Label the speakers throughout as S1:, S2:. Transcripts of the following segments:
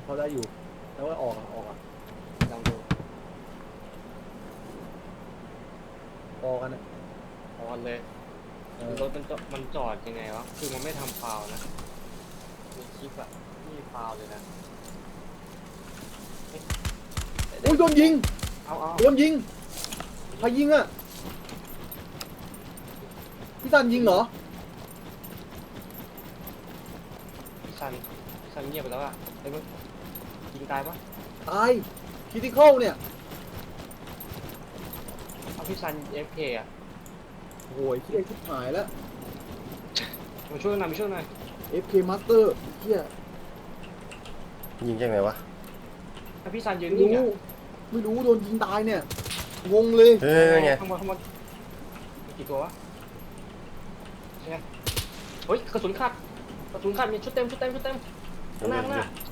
S1: เขาได้อยู่แล้วว่าออกลองดูพอกันนะ
S2: ออนเลยรถมันจอดยังไงวะคือมันไม่ทำฟาวล์นะมีคลิปอะนี่ฟาวล์เลยนะ
S1: อุ้ยโดนยิง
S2: เอา
S1: โดนยิงใครยิงอ่ะพี่ซันยิงเหรอ
S2: พี่ซันเงียบไปแล้วอะไอ้มึงยิงตายปะ
S1: ตายคิติคอลเนี่ย
S2: เอาพี่ซัน FK อะ
S1: โอ้ยเฮียชิบหายแล้ว
S2: มาช่วยหน่อยมาช่วยหน่อย
S1: FK Master เฮีย
S3: ยิงยังไงวะ
S2: ถ้าพี่ซันยืน
S1: ไม่
S2: นิ่ง
S1: รู้
S2: อะ
S1: ไม่รู้โดนยิงตายเนี่ยงงเลย
S3: เฮ้ยไง
S2: ข้างบนกี่ตัววะใช่ไหมเฮ้ยกระสุนขาดมีชุดเต็มข้างหน้า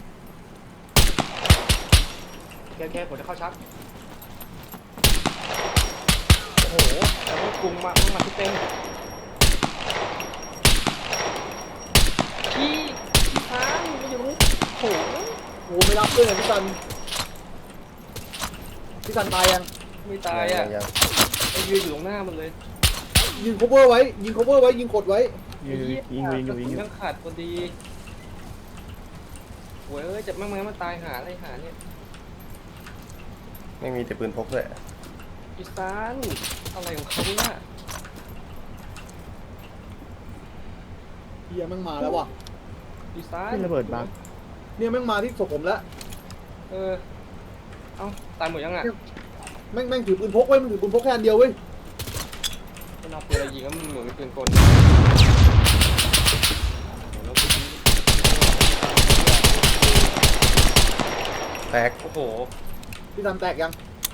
S2: โอเคผมจะเข้าชาร์จโอ้โหแต่ว่ากรุงมาชุดเต็มพี่ช้างไม่อยู่ตรงนี้โอ้โห
S1: โอ้ไม่รับเลยเนี่ยพี่ซันตายยัง
S2: ไม่ตายอ่ะ
S3: ยัง
S2: ไอ้ยืนอยู่ตรงหน้ามันเลย
S1: ยิง cover ไว้ยิง cover ไว้ยิงกดไว้
S4: ยิงอยู่
S2: ยังขาดพอดีโว้ยเอ้ยจะมั่งมันตายหาอะไรหาเนี่ย
S3: ไม่มีแต่ปืนพกด้วย
S2: พี่ซานอะไรของเขาเนี่ย
S1: เฮียแม่งมาแล้วว่ะ
S2: พี่ซาน
S4: ขึ้นระเบิดบัง
S1: เนี่ยแม่งมาที่ศพผมแล้ว
S2: เอ้าตายหมดยังอ่ะ
S1: แม่งถือปืนพกไว้มันถือปืนพกแค่อันเดียวเว้ย
S2: มันเอาปืนอะไรยิงก็มันเหมือนเป็นปืนกล
S3: แตก
S2: โอ้โห
S1: พี่ซันแตกยัง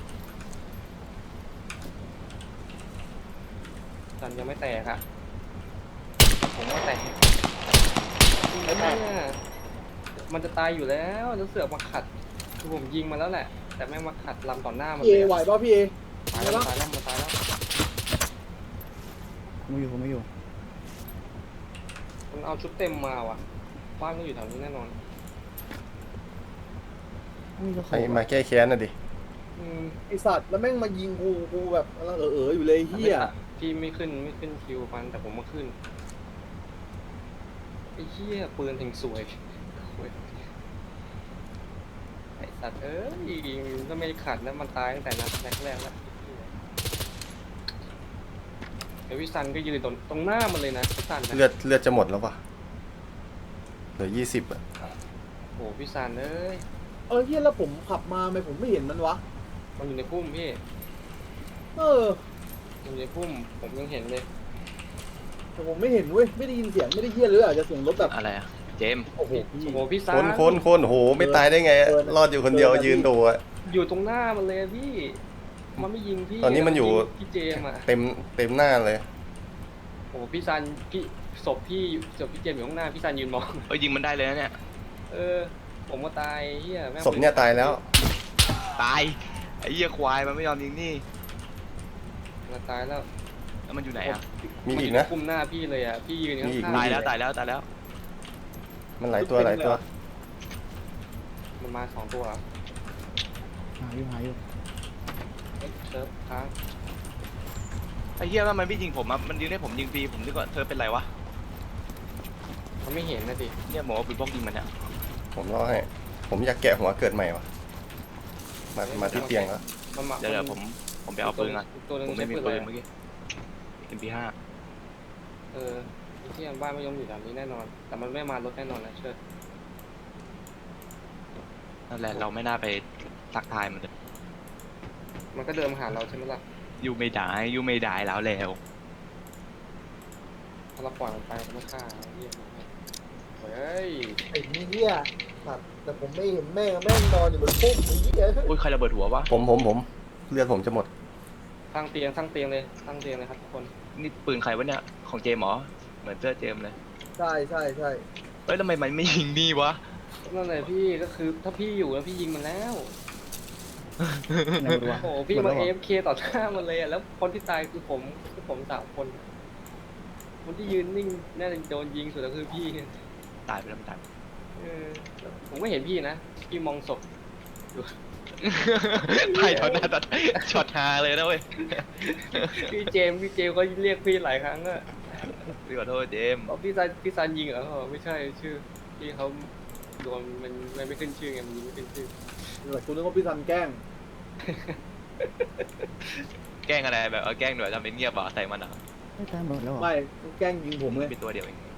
S2: ซันยังไม่แตกอ่ะผมว่าแตก
S1: ไม่แตก
S2: เนี่ยมันจะตายอยู่แล้วเสือกมาขัดคือผมยิงมาแล้วแหละ แต่แม่งมาขัดลำต่อหน้ามัน
S1: พี่
S2: เล
S1: เอย ไหวป่ะพี่เอ
S2: ตายแล้วมันตายแล้วมันตายแล้ว
S4: ผมไม่อยู่
S2: มันเอาชุดเต็มมาว่ะบ้านมันอยู่แถวนี้แน่นอน
S4: นี่ก็
S3: ใครมาแก้แค้นน่ะดิ
S1: ไอสัตว์แล้วแม่งมายิงกูแบบอยู่เลยเฮีย
S2: พี่ไม่ขึ้นคิวมันแต่ผมมาขึ้นไอ้เหี้ยปืนถึงสวยโอ้ยไอ้สัตว์เอ้ยก็ไม่ขัดแล้วมันตายตั้งแต่นัดแรกแล้วไอ้วิสันก็ยืนตรงหน้ามันเลยนะวิสันนะ
S3: เลือดจะหมดแล้วปะเหลือ20อ่ะ
S2: โอ้วิสันเอ้ย
S1: เฮียแล้วผมขับมาทำไมผมไม่เห็นมันวะ
S2: มันอยู่ในพุ่มพี่
S1: เออ
S2: มันอยู่ในพุ่มผมยังเห็นเลย
S1: แต่ผมไม่เห็นเว้ยไม่ได้ยินเสียงไม่ได้เฮียเลยอาจจะเสียงรถแบบ
S4: อะไรอะเจม
S1: โอ้โหพี่
S2: โอ้โหพี่สัน
S3: คนโหไม่ตายได้ไง รอดอยู่คนเดียวยืนดูอ่ะ
S2: อยู่ตรงหน้ามันเลยพี่มันไม่ยิงพี่
S3: ตอนนี้มันอยู่
S2: พี่เจมอ่ะ
S3: เต็มหน้าเลย
S2: โอ้พี่ซันศพพี่เจมส์อยู่ข้างหน้าพี่ซันยืนมอง
S4: ยิงมันได้เลยนะเนี่ย
S2: ผมก็ตายเฮียแม่ง
S3: ศพเนี่ยตายแล้ว
S4: ตายไอ้เหี้ยควายมันไม่ยอมยิงนี่
S2: มันตายแล้ว
S4: แล้วมันอยู่ไหนอะ
S3: มีอีกนะ
S2: คุมหน้าพี่เลยอ่ะพี่ยืน
S3: มีอีก
S2: ข้างๆ
S4: ตายแล้ว
S3: มันหลายตัว
S2: มันมา2 ตัว
S4: หาอยู่
S2: เซิร์ฟค้าง
S4: ไอ้เหี้ยว่ามันไม่ยิงผมอะมันยิงได้ผมยิงฟรีผมนึกว่าเธอเป็นไรวะ
S2: มันไม่เห็นนะดิ
S4: เนี่ยหมอปืนพกยิงมันเนี่ย
S3: ผมรอให้ ผมอยากแกะหัวเกิดใหม่วะมาที่เตียงแล้ว
S2: มันมา
S4: เดี๋ยวผมไปเอาปืนก่อน
S2: ตัวนึง
S4: ผม
S2: ใช้
S4: ไม่มี
S2: ปืน
S4: ปื
S2: อะไร
S4: นเมื่อกี้ MP5
S2: ไอ้ที่บ้านไม่ยอมอยู่แถวนี้แน่นอน แต่มันไม่มารถแน่นอนนะเชิด
S4: นั่นแหละเราไม่น่าไปทักทายมันเลย
S2: มันก็เดินมาหาเราใช่ไหมล่ะ
S4: ยูไม่ได้แล้ว
S2: ถ้าเราปล่อยมันไปมันไม่ฆ่าเฮียเฮ้ย
S1: ไอ้เฮียสัตว์แต่ผมไม่เห็นแม่งนอนอยู่บนพุ่มไอ้เฮีย
S4: อุ้ยใครระเบิดหัววะ
S3: ผมเลือดผมจะหมด
S2: ตั้งเตียงเลยครับทุกคน
S4: นี่ปืนใครวะเนี่ยของเจมเหรอเหมือนเสื้อเจมเลย
S1: ใช่
S4: เฮ้ยทำไมมันไม่ยิงนี่วะ
S2: นั่นแหละพี่ก็คือถ้าพี่อยู่แล้วพี่ยิงมันแล้ว โอ้โหพี่มา AFK ต่อหน้ามันเลยอ่ะแล้วคนที่ตายคือผม3 คนคนที่ยืนนิ่งน่าจะโดนยิงสุดก็คือพี่
S4: ตายไปแล้วมันตาย
S2: ผมไม่เห็นพี่นะพี่มองศพ
S4: ถ่ายตอนหน้าตอนช็อตฮาเลยนะเว้ย
S2: พี่เจมส์ก็เรียกพี่หลายครั้งอะ
S4: พี่ขอโทษเจมส์
S2: บอกพี่ซันยิงเหรอเขาบอกไม่ใช่ชื่อพี่เขาโดนมันไม่ขึ้นชื่อไงมันยิงไม่ขึ้นชื่อ
S1: แต่คุณนึกว่าพี่ซันแกล้ง
S4: แกล้งอะไรแบบแกล้งหน่วยทำเป็นเงียบอ่ะใส่มันอ่ะ
S5: ไม่ตายหมดแล้วเหรอ
S1: ไม่แกล้งยิงผมเลย
S4: เป็นตัวเดียวเอง